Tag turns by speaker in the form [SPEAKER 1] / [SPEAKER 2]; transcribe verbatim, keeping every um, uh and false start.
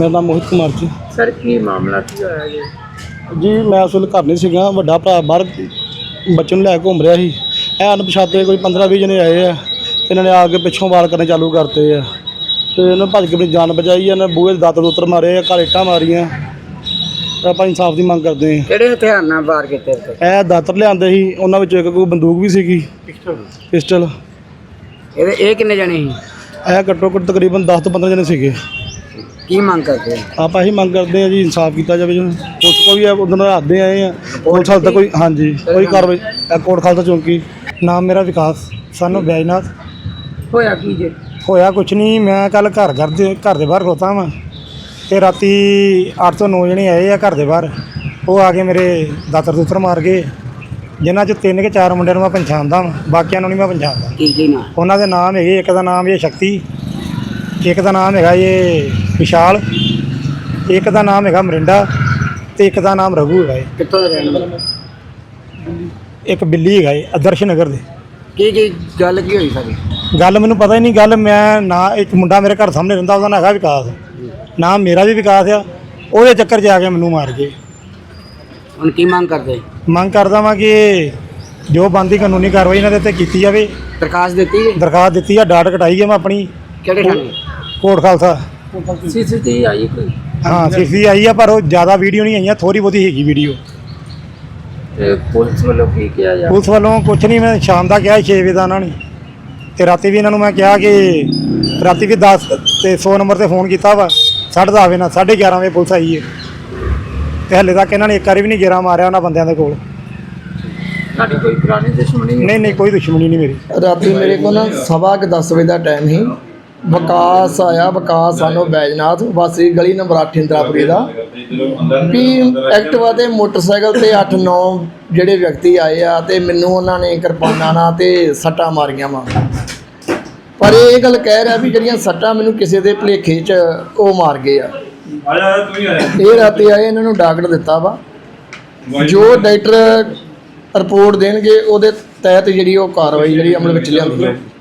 [SPEAKER 1] मेरा नाम मोहित कुमार जी।
[SPEAKER 2] सर की मामला की होया जी?
[SPEAKER 1] जी मैं उस ਵੇਲੇ घर नहीं ਸੀਗਾ, ਵੱਡਾ ਭਰਾ ਬਾਹਰ ਬੱਚੇ ਨੂੰ ਲੈ ਕੇ ਘੁੰਮ ਰਿਹਾ ਸੀ। ਇਹ ਅਣਪਛਾਤੇ ਕੋਈ ਪੰਦਰਾਂ ਵੀਹ ਜਣੇ ਆਏ ਆ ਤੇ ਇਹਨਾਂ ਨੇ ਆ ਕੇ ਪਿੱਛੋਂ ਵਾਰ ਕਰਨੇ ਚਾਲੂ ਕਰਤੇ ਆ ਤੇ ਇਹਨਾਂ ਭੱਜ ਕੇ ਆਪਣੀ ਜਾਨ ਬਚਾਈ। ਇਹਨਾਂ ਬੂਹੇ ਦੇ ਦਾਤਰ ਦੂਤਰ ਮਾਰੇ ਆ, ਘਰ ਇੱਟਾਂ ਮਾਰੀਆਂ। ਆਪਾਂ ਇਨਸਾਫ ਦੀ ਮੰਗ ਕਰਦੇ ਹਾਂ।
[SPEAKER 2] ਕਿਹੜੇ ਹਥਿਆਰ ਨਾਲ ਵਾਰ ਕੀਤੇ ਤੇ?
[SPEAKER 1] ਇਹ ਦਾਤਰ ਲਿਆਂਦੇ ਸੀ, ਉਹਨਾਂ ਵਿੱਚੋਂ ਇੱਕ ਕੋਈ ਬੰਦੂਕ ਵੀ ਸੀਗੀ, ਪਿਸਟਲ ਪਿਸਟਲ
[SPEAKER 2] ਇਹਦੇ ਇਹ ਕਿੰਨੇ ਜਣੇ ਸੀ?
[SPEAKER 1] ਇਹ ਘੱਟੋ ਘੱਟ ਤਕਰੀਬਨ ਦਸ ਤੋਂ ਪੰਦਰਾਂ ਜਣੇ ਸੀਗੇ।
[SPEAKER 2] ਕੀ ਮੰਗ ਕਰਦੇ?
[SPEAKER 1] ਆਪਾਂ ਇਹੀ ਮੰਗ ਕਰਦੇ ਹਾਂ ਜੀ, ਇਨਸਾਫ ਕੀਤਾ ਜਾਵੇ। ਜੀ ਪੁਲਿਸ ਕੋ ਵੀ ਉਦੋਂ ਰਾਤੇ ਆਏ ਆ, ਪੁਲਿਸ ਹਾਲ ਤੱਕ ਕੋਈ ਹਾਂਜੀ ਕੋਈ ਕਾਰਵਾਈ। ਕੋਟ ਖਾਲਸਾ ਚੌਂਕੀ। ਨਾਮ ਮੇਰਾ ਵਿਕਾਸ, ਸਾਨੂੰ ਬੈਜਨਾਥ।
[SPEAKER 2] ਹੋਇਆ ਕੀ ਜੇ?
[SPEAKER 1] ਹੋਇਆ ਕੁਛ ਨਹੀਂ, ਮੈਂ ਕੱਲ ਘਰ ਘਰ ਦੇ ਘਰ ਦੇ ਬਾਹਰ ਖਲੋਤਾ ਵਾਂ ਤੇ ਰਾਤੀ ਅੱਠ ਤੋਂ ਨੌ ਜਣੇ ਆਏ ਆ ਘਰ ਦੇ ਬਾਹਰ। ਉਹ ਆ ਕੇ ਮੇਰੇ ਦਾਤਰ ਦੂਤਰ ਮਾਰ ਗਏ, ਜਿਨ੍ਹਾਂ 'ਚ ਤਿੰਨ ਕਿ ਚਾਰ ਮੁੰਡਿਆਂ ਨੂੰ ਮੈਂ ਪਛਾਣਦਾ ਵਾਂ, ਬਾਕੀਆਂ ਨੂੰ ਨਹੀਂ ਮੈਂ ਪਛਾਣਦਾ।
[SPEAKER 2] ਕੀ ਕੀ ਨਾਮ?
[SPEAKER 1] ਉਹਨਾਂ ਦੇ ਨਾਮ ਹੈਗੇ, ਇੱਕ ਦਾ ਨਾਮ ਇਹ ਸ਼ਕਤੀ, ਇੱਕ ਦਾ ਨਾਮ ਹੈਗਾ ਇਹ ਵਿਸ਼ਾਲ, ਇੱਕ ਦਾ ਨਾਮ ਹੈਗਾ ਮਰਿੰਡਾ ਤੇ ਇੱਕ ਦਾ ਨਾਮ ਰਘੂ ਹੈਗਾ।
[SPEAKER 2] ਕਿੱਥੋਂ ਦੇ ਰਹਿਣ ਵਾਲੇ?
[SPEAKER 1] ਇੱਕ ਬਿੱਲੀ ਹੈਗਾ ਇਹ ਆਦਰਸ਼ ਨਗਰ ਦੇ।
[SPEAKER 2] ਕੀ ਕੀ ਗੱਲ ਕੀ ਹੋਈ ਸਾਰੀ?
[SPEAKER 1] ਗੱਲ ਮੈਨੂੰ ਪਤਾ ਹੀ ਨਹੀਂ। ਗੱਲ ਮੈਂ ਨਾ, ਇੱਕ ਮੁੰਡਾ ਮੇਰੇ ਘਰ ਸਾਹਮਣੇ ਰਹਿੰਦਾ, ਉਹਦਾ ਨਾਂ ਹੈਗਾ ਵਿਕਾਸ, ਨਾਮ ਮੇਰਾ ਵੀ ਵਿਕਾਸ ਆ। ਉਹਦੇ ਚੱਕਰ 'ਚ ਆ ਕੇ ਮੈਨੂੰ ਮਾਰ ਗਏ।
[SPEAKER 2] ਹੁਣ ਕੀ ਮੰਗ ਕਰਦੇ?
[SPEAKER 1] ਮੰਗ ਕਰਦਾ ਵਾਂ ਕਿ ਜੋ ਬਣਦੀ ਕਾਨੂੰਨੀ ਕਾਰਵਾਈ ਇਹਨਾਂ ਦੇ ਉੱਤੇ ਕੀਤੀ ਜਾਵੇ।
[SPEAKER 2] ਦਰਖਾਸਤ ਦਿੱਤੀ ਹੈ?
[SPEAKER 1] ਦਰਖਾਸਤ ਦਿੱਤੀ ਆ, ਡਾਟ ਕਟਾਈ ਹੈ ਮੈਂ ਆਪਣੀ।
[SPEAKER 2] ਕਿਹੜੇ ਥਾਣੇ?
[SPEAKER 1] ਕੋਟ ਖਾਲਸਾ।
[SPEAKER 2] ਸੀਸੀਟੀਵੀ ਆਈ ਕੋਈ?
[SPEAKER 1] ਹਾਂ ਸੀਸੀ ਆਈ ਆ, ਪਰ ਉਹ ਜ਼ਿਆਦਾ ਵੀਡੀਓ ਨਹੀਂ ਆਈਆਂ, ਥੋੜ੍ਹੀ ਬਹੁਤੀ ਹੈਗੀ ਵੀਡੀਓ।
[SPEAKER 2] ਤੇ ਪੁਲਿਸ ਵੱਲੋਂ ਕੀ ਕਿਹਾ ਜਾ?
[SPEAKER 1] ਪੁਲਿਸ ਵੱਲੋਂ ਕੁਛ ਨਹੀਂ, ਮੈਂ ਸ਼ਾਮ ਦਾ ਕਿਹਾ ਛੇ ਵਜੇ ਦਾ ਉਹਨਾਂ ਨੇ, ਤੇ ਰਾਤੀ ਵੀ ਇਹਨਾਂ ਨੂੰ ਮੈਂ ਕਿਹਾ ਕਿ ਰਾਤੀ ਵੀ ਦਸ ਤੇ ਸੌ ਨੰਬਰ 'ਤੇ ਫੋਨ ਕੀਤਾ ਵਾ, ਸਾਢੇ ਦਸ ਵਜੇ ਨਾਲ ਸਾਢੇ ਗਿਆਰਾਂ ਵਜੇ ਪੁਲਿਸ ਆਈ ਹੈ ਤੇ ਹਲੇ ਤੱਕ ਇਹਨਾਂ ਨੇ ਇੱਕ ਵਾਰੀ ਵੀ ਨਹੀਂ ਗੇੜਾ ਮਾਰਿਆ ਉਹਨਾਂ ਬੰਦਿਆਂ ਦੇ ਕੋਲ।
[SPEAKER 2] ਸਾਡੀ ਕੋਈ ਪੁਰਾਣੀ ਦੁਸ਼ਮਣੀ?
[SPEAKER 1] ਨਹੀਂ ਨਹੀਂ ਕੋਈ ਦੁਸ਼ਮਣੀ ਨਹੀਂ ਮੇਰੀ।
[SPEAKER 3] ਰਾਤੀ ਮੇਰੇ ਕੋਲ ਨਾ ਸਵਾ ਕੁ ਦਸ ਵਜੇ ਦਾ ਟਾਈਮ ਸੀ। ਵਿਕਾਸ ਆਇਆ, ਵਿਕਾਸ ਸਾਨੂੰ ਬੈਜਨਾਥ ਵਾਸੀ ਗਲੀ ਨੰਬਰ ਅੱਠ ਇੰਦਰਾਪੁਰੀ ਦਾ, ਵੀ ਐਕਟਿਵਾ ਤੇ ਮੋਟਰਸਾਈਕਲ ਤੇ ਅੱਠ ਨੌ ਜਿਹੜੇ ਵਿਅਕਤੀ ਆਏ ਆ ਤੇ ਮੈਨੂੰ ਉਹਨਾਂ ਨੇ ਕਿਰਪਾਨਾਂ ਨਾਲ ਤੇ ਸੱਟਾਂ ਮਾਰੀਆਂ ਵਾ। ਪਰ ਇਹ ਗੱਲ ਕਹਿ ਰਿਹਾ ਵੀ ਜਿਹੜੀਆਂ ਸੱਟਾਂ ਮੈਨੂੰ ਕਿਸੇ ਦੇ ਭੁਲੇਖੇ 'ਚ ਉਹ ਮਾਰ ਗਏ ਆ। ਇਹ ਰਾਤੀ ਆਏ, ਇਹਨਾਂ ਨੂੰ ਡਾਕਟਰ ਦਿੱਤਾ ਵਾ, ਜੋ ਡਾਕਟਰ ਰਿਪੋਰਟ ਦੇਣਗੇ ਉਹਦੇ ਤਹਿਤ ਜਿਹੜੀ ਉਹ ਕਾਰਵਾਈ ਜਿਹੜੀ ਅਮਲ ਵਿੱਚ ਲਿਆਂਦੀ ਹੈ।